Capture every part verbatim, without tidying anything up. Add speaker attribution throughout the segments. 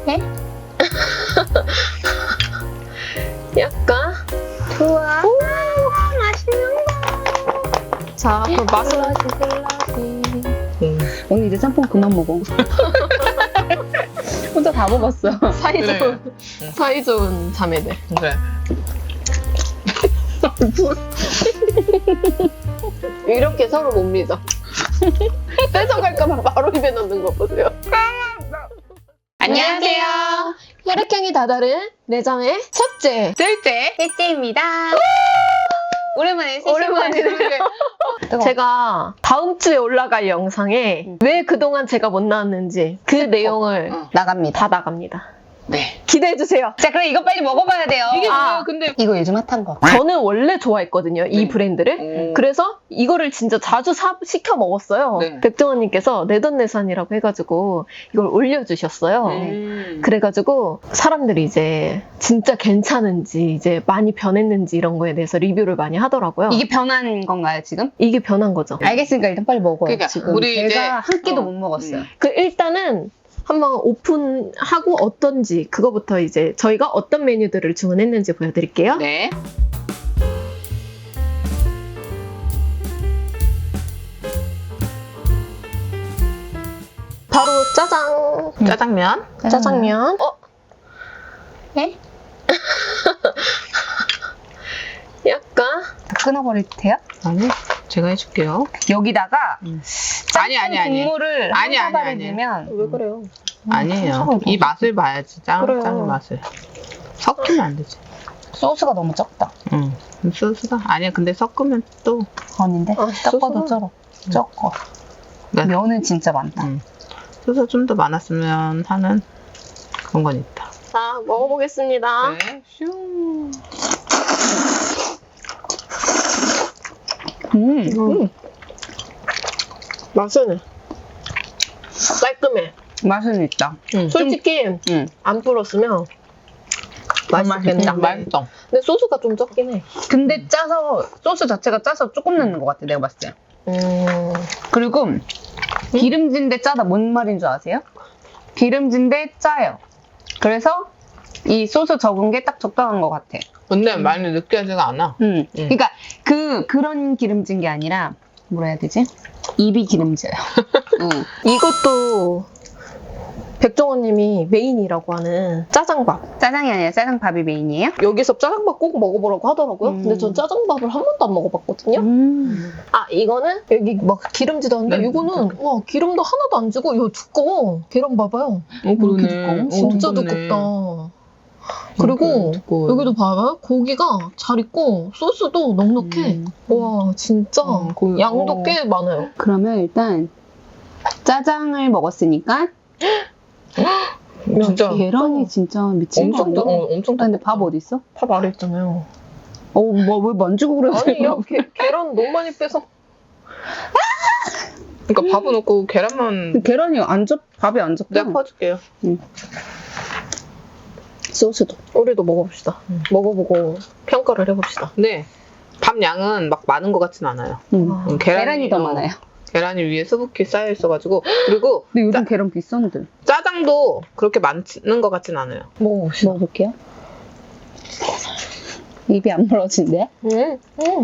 Speaker 1: 해?
Speaker 2: 약간
Speaker 1: 좋아.
Speaker 2: 오 맛있는 거. 자, 그 맛을
Speaker 1: 음. 언니 이제 짬뽕 그만 먹어. 혼자 다 먹었어.
Speaker 2: 사이
Speaker 3: 그래.
Speaker 2: 좋은 사이 좋은 자매들.
Speaker 3: 그래.
Speaker 2: 이렇게 서로 못 믿어. 뺏어갈까봐 바로 입에 넣는 거 보세요. 안녕하세요. 혈액형이 다다른 내장의 첫째.
Speaker 1: 둘째, 셋째입니다. 오랜만에
Speaker 2: 오랜만이네. 제가 다음 주에 올라갈 영상에
Speaker 1: 응.
Speaker 2: 왜 그동안 제가 못 나왔는지 그 내용을
Speaker 3: 응.
Speaker 1: 나갑니다.
Speaker 2: 다 나갑니다.
Speaker 3: 네.
Speaker 2: 기대해주세요.
Speaker 1: 자, 그럼 이거 빨리 먹어봐야 돼요.
Speaker 3: 이게
Speaker 2: 아.
Speaker 3: 뭐예요? 근데
Speaker 1: 이거 요즘 핫한 거.
Speaker 2: 저는 원래 좋아했거든요, 이
Speaker 3: 네.
Speaker 2: 브랜드를.
Speaker 3: 음.
Speaker 2: 그래서 이거를 진짜 자주 사, 시켜 먹었어요.
Speaker 3: 네.
Speaker 2: 백종원님께서 내돈내산이라고 해가지고 이걸 올려주셨어요.
Speaker 3: 음.
Speaker 2: 그래가지고 사람들이 이제 진짜 괜찮은지 이제 많이 변했는지 이런 거에 대해서 리뷰를 많이 하더라고요.
Speaker 1: 이게 변한 건가요, 지금?
Speaker 2: 이게 변한 거죠.
Speaker 1: 알겠으니까 일단 빨리 먹어요.
Speaker 3: 그러니까
Speaker 1: 지금
Speaker 3: 우리
Speaker 1: 제가
Speaker 3: 이제-
Speaker 1: 한 끼도
Speaker 3: 어.
Speaker 1: 못 먹었어요.
Speaker 3: 음.
Speaker 2: 그 일단은 한번 오픈하고 어떤지 그거부터 이제 저희가 어떤 메뉴들을 주문했는지 보여드릴게요.
Speaker 3: 네.
Speaker 2: 바로 짜장.
Speaker 3: 짜장면.
Speaker 2: 짜장면. 어?
Speaker 1: 네?
Speaker 2: 약간
Speaker 1: 끊어버릴 테요?
Speaker 3: 아니, 제가 해줄게요.
Speaker 1: 여기다가
Speaker 3: 음.
Speaker 1: 짬뽕
Speaker 3: 아니, 아니, 아니.
Speaker 1: 국물을
Speaker 3: 아니,
Speaker 1: 한
Speaker 3: 아니,
Speaker 1: 사발을
Speaker 3: 아니.
Speaker 1: 넣으면
Speaker 2: 왜 그래요?
Speaker 3: 아니에요.
Speaker 1: 소스가
Speaker 3: 이 맛을 봐야지. 짱,
Speaker 2: 그래요.
Speaker 3: 짱의 맛을. 섞이면 안 되지.
Speaker 1: 소스가 너무 적다.
Speaker 3: 응. 소스가? 아니야, 근데 섞으면 또.
Speaker 1: 아닌데?
Speaker 2: 아,
Speaker 1: 적어도
Speaker 2: 소스가-
Speaker 1: 쩔어. 적어.
Speaker 3: 네.
Speaker 1: 면은 진짜 많다.
Speaker 3: 응. 소스가 좀 더 많았으면 하는 그런 건 있다.
Speaker 2: 자, 먹어보겠습니다.
Speaker 3: 네. 슝.
Speaker 1: 음.
Speaker 2: 음. 맛은 깔끔해.
Speaker 1: 맛은 있다.
Speaker 3: 응.
Speaker 2: 솔직히
Speaker 1: 음.
Speaker 2: 안 불었으면 맛있겠다.
Speaker 3: 음, 맛있어.
Speaker 2: 근데 소스가 좀 적긴 해.
Speaker 1: 근데 짜서 소스 자체가 짜서 조금 넣는 것 같아, 내가 봤을 때.
Speaker 2: 음.
Speaker 1: 그리고 기름진데 짜다 뭔 말인 줄 아세요? 기름진데 짜요. 그래서 이 소스 적은 게 딱 적당한 것 같아.
Speaker 3: 근데 많이 느끼하지가 않아.
Speaker 1: 음.
Speaker 3: 음.
Speaker 1: 그러니까 그 그런 기름진 게 아니라 뭐라 해야 되지? 입이 기름져요. 음.
Speaker 2: 이것도 백종원님이 메인이라고 하는 짜장밥.
Speaker 1: 짜장이 아니라 짜장밥이 메인이에요?
Speaker 2: 여기서 짜장밥 꼭 먹어보라고 하더라고요.
Speaker 1: 음.
Speaker 2: 근데 전 짜장밥을 한 번도 안 먹어봤거든요.
Speaker 1: 음.
Speaker 2: 아, 이거는 여기 막 기름지도 않는데
Speaker 3: 네,
Speaker 2: 이거는 와 기름도 하나도 안 지고 이거 두꺼워. 계란 봐봐요.
Speaker 3: 어,
Speaker 1: 그렇게 두꺼워?
Speaker 2: 진짜
Speaker 3: 두껍네.
Speaker 2: 두껍다. 그리고
Speaker 3: 두꺼워요.
Speaker 2: 여기도 봐봐요. 고기가 잘 익고 소스도 넉넉해.
Speaker 1: 음.
Speaker 2: 와 진짜
Speaker 3: 음, 고기-
Speaker 2: 양도
Speaker 3: 어.
Speaker 2: 꽤 많아요.
Speaker 1: 그러면 일단 짜장을 먹었으니까
Speaker 3: 진짜
Speaker 1: 계란이 진짜 미친 거
Speaker 3: 엄청
Speaker 1: 아니야?
Speaker 3: 더, 어, 엄청
Speaker 1: 근데 밥 어디 있어?
Speaker 2: 밥 아래 있잖아요.
Speaker 1: 어, 뭐 왜 만지고 그래?
Speaker 2: 아니 야 게, 계란 너무 많이 빼서
Speaker 3: 그러니까 밥은 없고 계란만
Speaker 1: 계란이 안 접, 밥이 안 접혀.
Speaker 3: 내가 퍼줄게요.
Speaker 1: 소스도.
Speaker 2: 우리도 먹어봅시다.
Speaker 3: 음.
Speaker 2: 먹어보고 평가를 해봅시다.
Speaker 3: 근데 밥 양은 막 많은 것 같진 않아요.
Speaker 1: 음.
Speaker 2: 아,
Speaker 3: 음,
Speaker 1: 계란이, 더
Speaker 3: 어,
Speaker 1: 많아요.
Speaker 3: 계란이 위에 수북히 쌓여 있어가지고 그리고
Speaker 1: 근데 요즘 계란 비싼데.
Speaker 3: 짜장도 그렇게 많은 것 같진 않아요.
Speaker 2: 먹어봅시다.
Speaker 1: 먹어볼게요. 입이 안 멀어진대?
Speaker 2: 음, 음,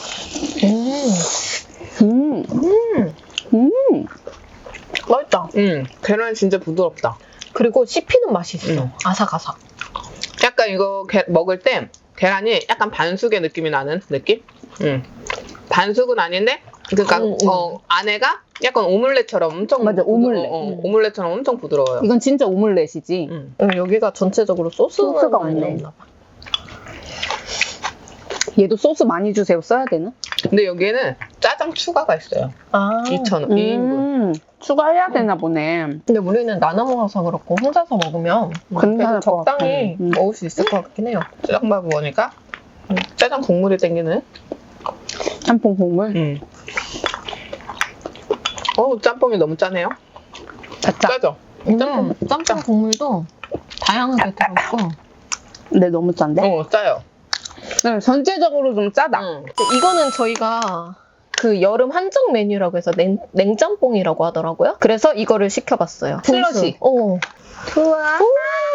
Speaker 2: 음,
Speaker 1: 음. 음.
Speaker 2: 맛있다.
Speaker 3: 음, 계란이 진짜 부드럽다.
Speaker 2: 그리고 씹히는 맛이 있어.
Speaker 3: 음.
Speaker 2: 아삭아삭.
Speaker 3: 약간 이거 게- 먹을 때 계란이 약간 반숙의 느낌이 나는 느낌? 음. 반숙은 아닌데 그러니까
Speaker 2: 음, 음.
Speaker 3: 어, 안에가 약간 오믈렛처럼 엄청
Speaker 1: 맞아,
Speaker 3: 부드-
Speaker 1: 오믈렛.
Speaker 3: 어, 어,
Speaker 2: 음.
Speaker 3: 오믈렛처럼 엄청 부드러워요.
Speaker 1: 이건 진짜 오믈렛이지.
Speaker 3: 음.
Speaker 2: 음, 여기가 전체적으로 소스가,
Speaker 1: 소스가
Speaker 2: 많이
Speaker 1: 없네.
Speaker 2: 나온다 봐.
Speaker 1: 얘도 소스 많이 주세요. 써야 되나?
Speaker 3: 근데 여기에는 짜장 추가가 있어요.
Speaker 2: 아,
Speaker 3: 이천 원, 이 인분.
Speaker 1: 음. 추가해야 되나 보네.
Speaker 2: 근데 우리는 나눠 먹어서 그렇고 혼자서 먹으면
Speaker 1: 괜찮을
Speaker 2: 그래도
Speaker 1: 것
Speaker 2: 적당히
Speaker 1: 같아. 음.
Speaker 2: 먹을 수 있을 것 같긴 해요.
Speaker 3: 짜장밥 먹으니까 음, 짜장 국물이 땡기는.
Speaker 1: 짬뽕 국물.
Speaker 3: 음. 어우, 짬뽕이 너무 짜네요.
Speaker 1: 짜짜.
Speaker 3: 짜죠?
Speaker 2: 짬뽕, 짬뽕 국물도 다양하게 들어있고
Speaker 1: 근데 너무 짠데?
Speaker 3: 어, 짜요.
Speaker 1: 네, 전체적으로 좀 짜다.
Speaker 3: 음.
Speaker 2: 이거는 저희가 그 여름 한정 메뉴라고 해서 냉, 냉짬뽕이라고 하더라고요. 그래서 이거를 시켜봤어요.
Speaker 1: 슬러시.
Speaker 2: 어.
Speaker 1: 좋아.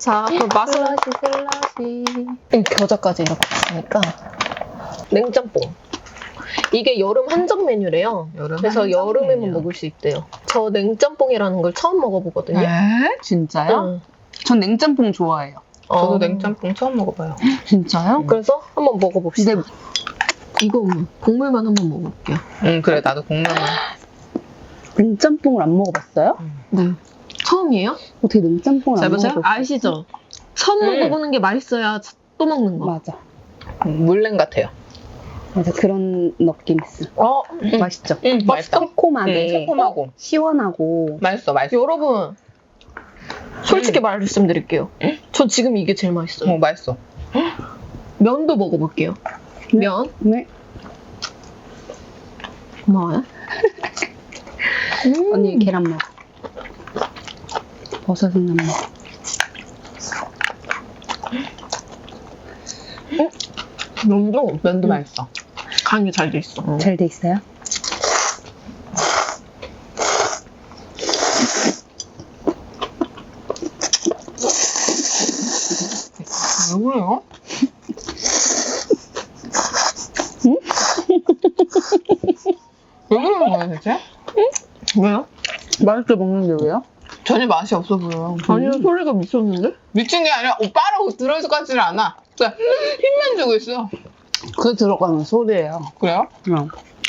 Speaker 2: 자, 그럼 맛은
Speaker 1: 슬러시 슬러시.
Speaker 2: 이 겨자까지 이렇게 있으니까 냉짬뽕. 이게 여름 한정 메뉴래요.
Speaker 3: 여름
Speaker 2: 그래서
Speaker 3: 한정
Speaker 2: 여름에만
Speaker 3: 메뉴.
Speaker 2: 먹을 수 있대요. 저 냉짬뽕이라는 걸 처음 먹어보거든요.
Speaker 1: 에? 진짜요?
Speaker 2: 응.
Speaker 1: 전 냉짬뽕 좋아해요.
Speaker 3: 저도
Speaker 2: 어.
Speaker 3: 냉짬뽕 처음 먹어봐요.
Speaker 1: 진짜요?
Speaker 2: 그래서 한번 먹어봅시다.
Speaker 1: 근데
Speaker 2: 이거 국물만 한번 먹어볼게요.
Speaker 3: 응, 그래, 나도 국물만.
Speaker 1: 냉짬뽕을 안 먹어봤어요?
Speaker 2: 네. 처음이에요?
Speaker 1: 어떻게 냉짬뽕을
Speaker 2: 잘
Speaker 1: 안
Speaker 2: 보세요.
Speaker 1: 먹어봤어요?
Speaker 2: 아시죠? 처음
Speaker 3: 음.
Speaker 2: 먹어보는 게 맛있어야 또 먹는 거.
Speaker 1: 맞아.
Speaker 3: 물냉 같아요.
Speaker 1: 맞아. 그런 느낌 있어.
Speaker 2: 어,
Speaker 1: 맛있죠?
Speaker 3: 응, 맛있다.
Speaker 1: 새콤하게.
Speaker 3: 응, 새콤하고.
Speaker 1: 시원하고.
Speaker 3: 맛있어, 맛있어.
Speaker 2: 여러분 솔직히 말씀드릴게요. 전 지금 이게 제일 맛있어요.
Speaker 3: 어, 맛있어.
Speaker 2: 면도 먹어볼게요.
Speaker 1: 네.
Speaker 2: 면
Speaker 1: 네.
Speaker 2: 고마워요. 음.
Speaker 1: 언니 계란 먹어. 버섯은 안 먹어.
Speaker 3: 면도, 면도 맛있어.
Speaker 2: 간이 잘 돼 있어.
Speaker 1: 잘 돼 있어요?
Speaker 3: 왜 그래요? 왜 그러는 거야, 대체?
Speaker 2: 왜요?
Speaker 1: 맛있게 먹는데 왜요?
Speaker 3: 전혀 맛이 없어 보여.
Speaker 2: 아니요, 소리가 미쳤는데?
Speaker 3: 미친 게 아니라 오빠라고 들어올 것 같지는 않아. 그냥 힘만 주고 있어.
Speaker 1: 그 들어가는 소리예요.
Speaker 3: 그래요?
Speaker 1: 응.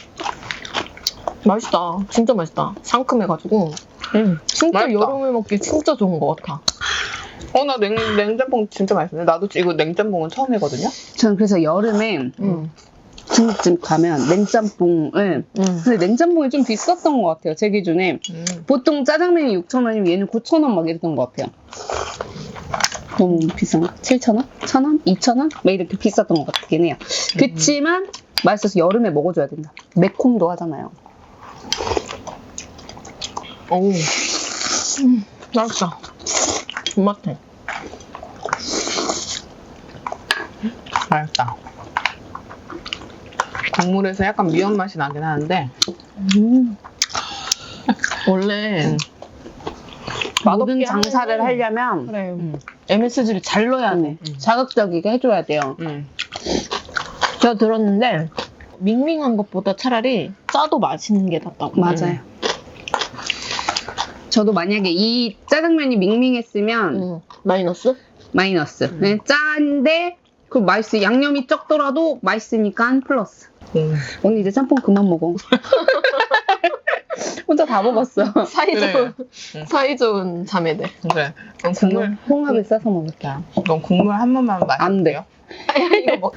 Speaker 2: 맛있다. 진짜 맛있다. 상큼해가지고.
Speaker 3: 응.
Speaker 2: 진짜
Speaker 3: 맛있다.
Speaker 2: 여름에 먹기 진짜 좋은 것 같아.
Speaker 3: 어, 나 냉, 냉짬뽕 진짜 맛있는데. 나도 이거 냉짬뽕은 처음 해거든요?
Speaker 1: 저는 그래서 여름에
Speaker 2: 음.
Speaker 1: 중국집 가면 냉짬뽕을
Speaker 2: 음.
Speaker 1: 근데 냉짬뽕이 좀 비쌌던 것 같아요. 제 기준에.
Speaker 3: 음.
Speaker 1: 보통 짜장면이 육천 원이면 얘는 구천 원 막 이랬던 것 같아요. 너무 비싼가? 칠천 원? 천 원? 이천 원? 막 이렇게 비쌌던 것 같긴 해요. 그치만 맛있어서 여름에 먹어줘야 된다. 매콤도 하잖아요.
Speaker 2: 오. 음, 맛있다. 존맛해.
Speaker 3: 맛있다. 국물에서 약간 미연 맛이 나긴 하는데.
Speaker 1: 음.
Speaker 2: 원래
Speaker 1: 모든
Speaker 2: 맛없게
Speaker 1: 장사를
Speaker 2: 하면은-
Speaker 1: 하려면
Speaker 2: 그래.
Speaker 3: 음.
Speaker 2: 엠에스지를 잘 넣어야 돼.
Speaker 3: 음.
Speaker 1: 자극적이게 해줘야 돼요.
Speaker 3: 음.
Speaker 2: 제가 들었는데 밍밍한 것보다 차라리 짜도 맛있는 게 낫다고.
Speaker 1: 맞아요. 저도 만약에 이 짜장면이 밍밍했으면
Speaker 2: 음. 마이너스?
Speaker 1: 마이너스. 네, 짠데 그 맛있어. 양념이 적더라도 맛있으니까 플러스.
Speaker 3: 음.
Speaker 1: 언니 이제 짬뽕 그만 먹어. 혼자 다 먹었어.
Speaker 2: 사이좋은
Speaker 3: 그래.
Speaker 2: 사이좋은 자매들.
Speaker 3: 그래. 그럼 국물,
Speaker 1: 저는 홍합에 싸서 먹을게요.
Speaker 3: 넌 국물 한 번만 마실게요.
Speaker 1: 안 돼.
Speaker 2: 이거 먹.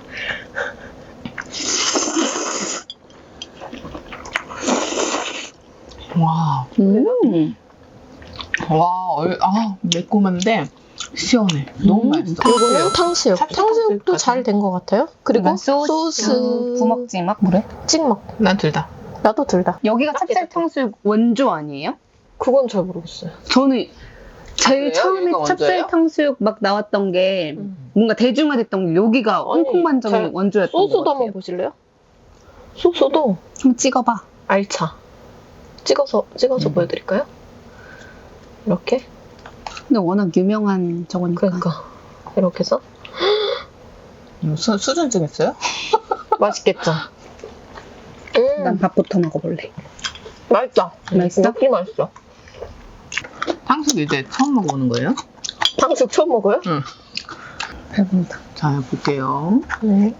Speaker 3: 와,
Speaker 1: 음.
Speaker 3: 와, 얼, 아, 매콤한데 시원해. 너무
Speaker 1: 음.
Speaker 3: 맛있어.
Speaker 2: 이거는 탕수육.
Speaker 3: 찹쌀
Speaker 2: 탕수육도
Speaker 3: 탕수육까지.
Speaker 2: 잘 된 것 같아요. 그리고
Speaker 1: 이건 소스, 부먹지막 뭐래?
Speaker 2: 찍먹.
Speaker 3: 난 둘 다.
Speaker 2: 나도 둘 다.
Speaker 1: 여기가 찹쌀 탕수육 원조 아니에요?
Speaker 2: 그건 잘 모르겠어요.
Speaker 1: 저는 제일
Speaker 3: 그래요?
Speaker 1: 처음에
Speaker 3: 여기가
Speaker 1: 찹쌀
Speaker 3: 원조예요?
Speaker 1: 탕수육 막 나왔던 게
Speaker 2: 음.
Speaker 1: 뭔가 대중화됐던 게 여기가
Speaker 2: 아니,
Speaker 1: 홍콩반점
Speaker 2: 잘-
Speaker 1: 원조였던 것
Speaker 2: 소스도
Speaker 1: 같아요.
Speaker 2: 한번 보실래요? 소스도
Speaker 1: 한번 찍어봐.
Speaker 2: 알차. 찍어서 찍어서
Speaker 3: 음.
Speaker 2: 보여드릴까요? 이렇게.
Speaker 1: 근데 워낙 유명한 저거니까.
Speaker 2: 그러니까 이렇게 해서
Speaker 3: 음, 수, 수준증 있어요?
Speaker 2: 맛있겠죠. 음,
Speaker 1: 난 밥부터 먹어볼래.
Speaker 2: 맛있다.
Speaker 1: 맛있어?
Speaker 2: 느낌 맛있어.
Speaker 3: 탕수육 이제 처음 먹어보는 거예요?
Speaker 2: 탕수육 처음 먹어요?
Speaker 3: 응.
Speaker 1: 배부르다.
Speaker 3: 자, 볼게요.
Speaker 2: 네.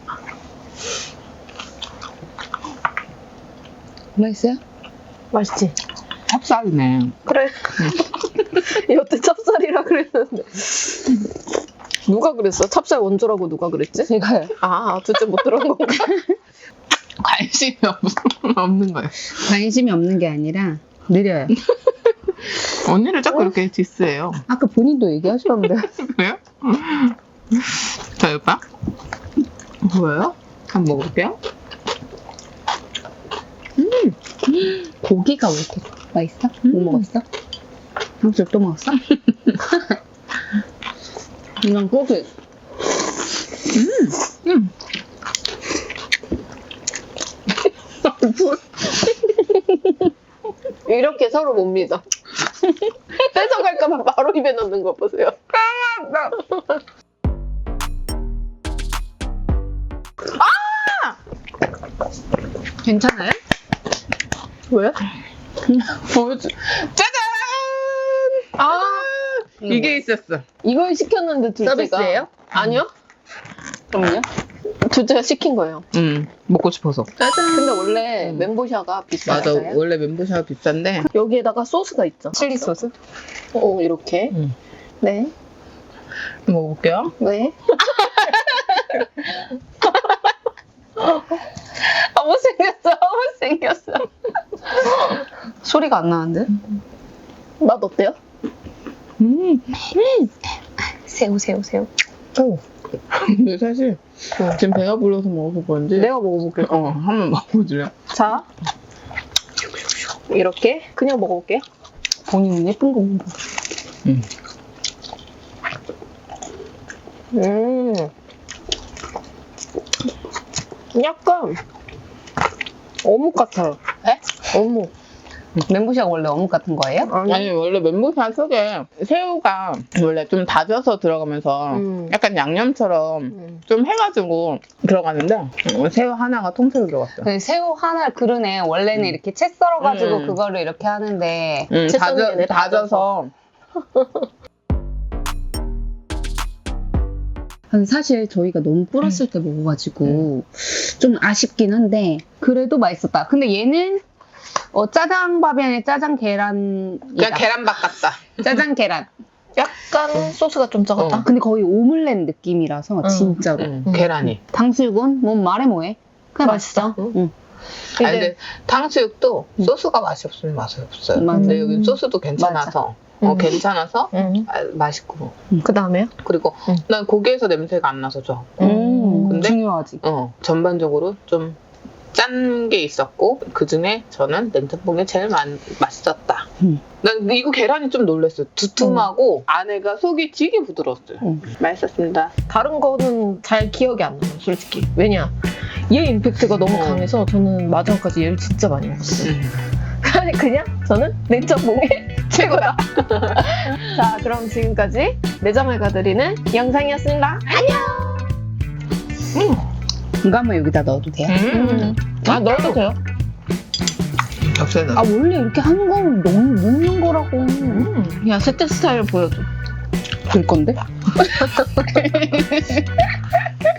Speaker 1: 맛있어요?
Speaker 2: 맛있지.
Speaker 3: 찹쌀이네.
Speaker 2: 그래. 여태 찹쌀이라 그랬는데. 누가 그랬어? 찹쌀 원조라고 누가 그랬지?
Speaker 1: 제가요.
Speaker 2: 아, 둘째 못 들은 건가?
Speaker 3: 관심이 없, 없는 거예요.
Speaker 1: 관심이 없는 게 아니라 느려요.
Speaker 3: 언니를 자꾸 이렇게 디스해요.
Speaker 1: 아까 본인도 얘기하셨는데.
Speaker 3: 그래요? 자, 오빠. 뭐예요? 한번 먹어볼게요.
Speaker 1: 고기가 왜 이렇게 맛있어? 뭐
Speaker 3: 음.
Speaker 1: 먹었어? 탕수육 또 먹었어? 이건 고기.
Speaker 3: 음.
Speaker 2: 이렇게 서로 못 믿어.
Speaker 3: 뺏어갈까봐 바로 입에 넣는 거 보세요.
Speaker 1: 괜찮아요?
Speaker 3: 왜? 보여주. 짜잔!
Speaker 2: 아,
Speaker 3: 이게 있었어.
Speaker 2: 이걸 시켰는데 둘째가.
Speaker 3: 서비스예요?
Speaker 2: 아니요.
Speaker 1: 그럼요.
Speaker 2: 둘째가 시킨 거예요.
Speaker 3: 응, 먹고 싶어서. 짜잔.
Speaker 2: 근데 원래
Speaker 1: 음.
Speaker 2: 멘보샤가 비싸요.
Speaker 3: 맞아, 원래 멘보샤가 비싼데.
Speaker 2: 여기에다가 소스가 있죠.
Speaker 1: 칠리 소스?
Speaker 2: 오, 이렇게.
Speaker 3: 응.
Speaker 2: 네.
Speaker 3: 먹어볼게요.
Speaker 2: 네.
Speaker 1: 아, 못생겼어. 못생겼어. 소리가 안 나는데?
Speaker 2: 맛 어때요?
Speaker 3: 음.
Speaker 2: 새우, 새우, 새우.
Speaker 3: 오. 근데 사실 지금 배가 불러서 먹어서 그런지.
Speaker 2: 내가 먹어볼게요.
Speaker 3: 어, 한번 먹어보실래요?
Speaker 2: 자. 이렇게. 그냥 먹어볼게요.
Speaker 1: 본인은 예쁜 거 먹어.
Speaker 3: 음.
Speaker 2: 음. 약간 어묵 같아요.
Speaker 1: 네?
Speaker 2: 어묵.
Speaker 1: 멘보샤가 원래 어묵 같은 거예요?
Speaker 3: 아니, 원래 멘보샤 속에 새우가 원래 좀 다져서 들어가면서
Speaker 2: 음.
Speaker 3: 약간 양념처럼
Speaker 2: 음.
Speaker 3: 좀 해가지고 들어가는데 어, 새우 하나가 통째로 들어갔어요.
Speaker 1: 그 새우 하나 그러네. 원래는
Speaker 3: 음.
Speaker 1: 이렇게 채 썰어가지고
Speaker 3: 음.
Speaker 1: 그거를 이렇게 하는데.
Speaker 3: 음,
Speaker 2: 채
Speaker 3: 다져,
Speaker 2: 썰는 게
Speaker 3: 다져서.
Speaker 1: 아니, 사실 저희가 너무 불었을 때 먹어가지고 좀 아쉽긴 한데 그래도 맛있었다. 근데 얘는 어, 짜장밥이 아니라 짜장 계란이다.
Speaker 3: 그냥 계란밥 같다.
Speaker 1: 짜장 계란.
Speaker 2: 약간 소스가 좀 적었다.
Speaker 3: 어.
Speaker 1: 근데 거의 오믈렛 느낌이라서
Speaker 2: 음.
Speaker 1: 진짜로.
Speaker 3: 음,
Speaker 2: 음.
Speaker 3: 계란이.
Speaker 1: 탕수육은 뭐 말해 뭐해. 그냥
Speaker 2: 맛있어.
Speaker 1: 맛있어. 응.
Speaker 3: 아니, 근데 탕수육도
Speaker 1: 음.
Speaker 3: 소스가 맛이 없으면 맛이 없어요.
Speaker 1: 맞아.
Speaker 3: 근데 여기 소스도 괜찮아서. 어,
Speaker 2: 음.
Speaker 3: 괜찮아서
Speaker 2: 음.
Speaker 3: 아, 맛있고.
Speaker 2: 그 다음에요?
Speaker 3: 그리고
Speaker 2: 음.
Speaker 3: 난 고기에서 냄새가 안 나서 좋아.
Speaker 1: 음,
Speaker 3: 근데?
Speaker 1: 중요하지.
Speaker 3: 어, 전반적으로 좀 짠 게 있었고 그 중에 저는 냉짬뽕이 제일 많, 맛있었다.
Speaker 1: 음.
Speaker 3: 난 이거 계란이 좀 놀랐어요. 두툼하고 안에가 속이 되게 부드러웠어요.
Speaker 1: 음.
Speaker 3: 맛있었습니다.
Speaker 2: 다른 거는 잘 기억이 안 나요, 솔직히. 왜냐? 얘 임팩트가 너무
Speaker 3: 어.
Speaker 2: 강해서 저는 마지막까지 얘를 진짜 많이 먹었어요.
Speaker 3: 음.
Speaker 2: 아니, 그냥 저는 냉짬뽕이 최고다. 자, 그럼 지금까지 내장을 가드리는 영상이었습니다.
Speaker 1: 이거 한번 여기다 넣어도 돼요?
Speaker 3: 음.
Speaker 2: 아, 넣어도 돼요?
Speaker 3: 역시나.
Speaker 1: 아 원래 이렇게 하는 거는 넣는, 넣는 거라고.
Speaker 2: 음. 야, 세트 스타일 보여줘.
Speaker 1: 될 건데?